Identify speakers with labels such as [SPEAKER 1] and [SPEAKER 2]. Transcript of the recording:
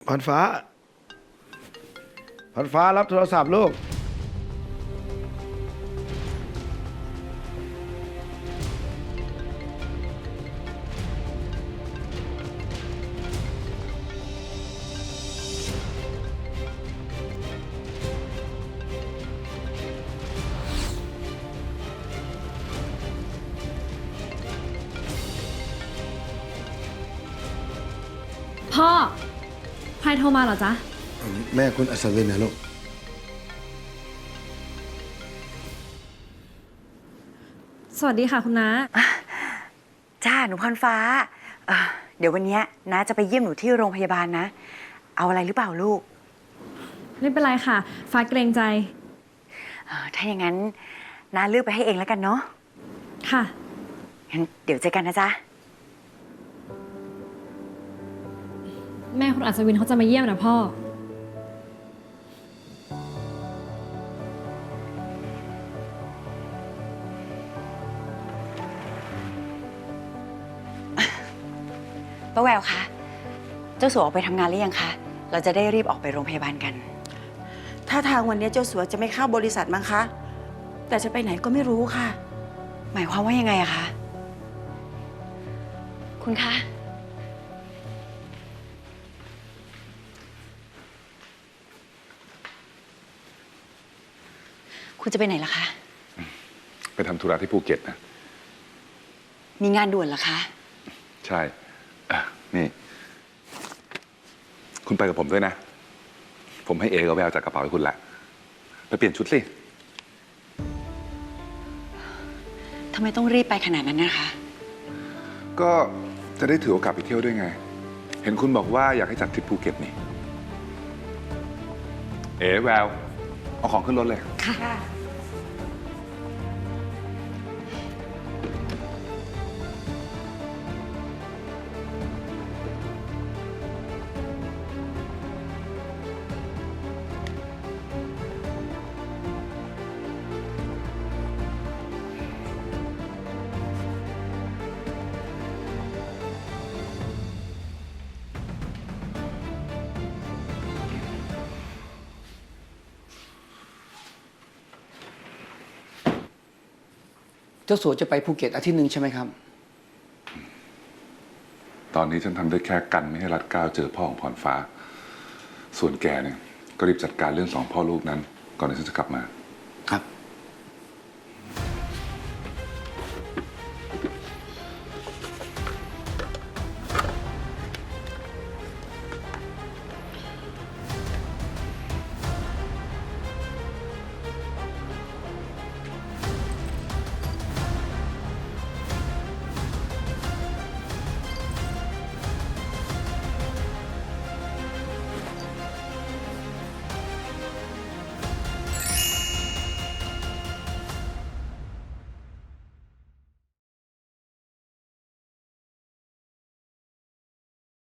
[SPEAKER 1] พรฟ้าพรฟ้ารับโทรศัพท์ลูก
[SPEAKER 2] พ่อ ใครโทรมาเหรอจ๊ะ
[SPEAKER 1] แม่คุณอัศวินนะลูก
[SPEAKER 2] สวัสดีค่ะคุณน้า
[SPEAKER 3] จ้าหนูพรฟ้าเดี๋ยววันนี้น้าจะไปเยี่ยมหนูที่โรงพยาบาลนะ เอาอะไรหรือเปล่าลูก
[SPEAKER 2] ไม่เป็นไรค่ะ ฟ้าเกรงใจ
[SPEAKER 3] ถ้าอย่างนั้นน้าเลือกไปให้เองแล้วกันเนาะ
[SPEAKER 2] ค่ะ
[SPEAKER 3] งั้นเดี๋ยวเจอกันนะจ๊ะ
[SPEAKER 2] แม่คุณอัศวินเขาจะมาเยี่ยมนะพ่อ
[SPEAKER 3] ป้าแววคะ เจ้าสัวออกไปทำงานหรือยังคะ เราจะได้รีบออกไปโรงพยาบาลกัน
[SPEAKER 4] ถ้าทางวันนี้เจ้าสัวจะไม่เข้าบริษัทมั้งคะ แต่จะไปไหนก็ไม่รู้ค่ะ
[SPEAKER 3] หมายความว่ายังไงอะคะ คุณคะ คุณจะไปไหนล่ะคะ
[SPEAKER 5] ไปทำธุระที่ภูเก็ตนะ
[SPEAKER 3] มีงานด่วนเหรอคะ
[SPEAKER 5] ใช่นี่ คุณไปกับผมด้วยนะ ผมให้เอกับแววจัดกระเป๋าให้คุณละ ไปเปลี่ยนชุดสิ
[SPEAKER 3] ทำไมต้องรีบไปขนาดนั้นนะคะ
[SPEAKER 5] ก็จะได้ถือโอกาสไปเที่ยวด้วยไง เห็นคุณบอกว่าอยากให้จัดทริปภูเก็ตนี่ เอแวว เอาของขึ้นรถเลย
[SPEAKER 3] ค่ะ
[SPEAKER 6] เจ้าสัวจะไปภูเก็ตอาทิตย์หนึ่งใช่ไหมครับ
[SPEAKER 5] ตอนนี้ฉันทำได้แค่กันไม่ให้รัดเกล้าเจอพ่อของพรฟ้า ส่วนแกเนี่ยก็รีบจัดการเรื่องสองพ่อลูกนั้น ก่อนที่ฉันจะกลับมา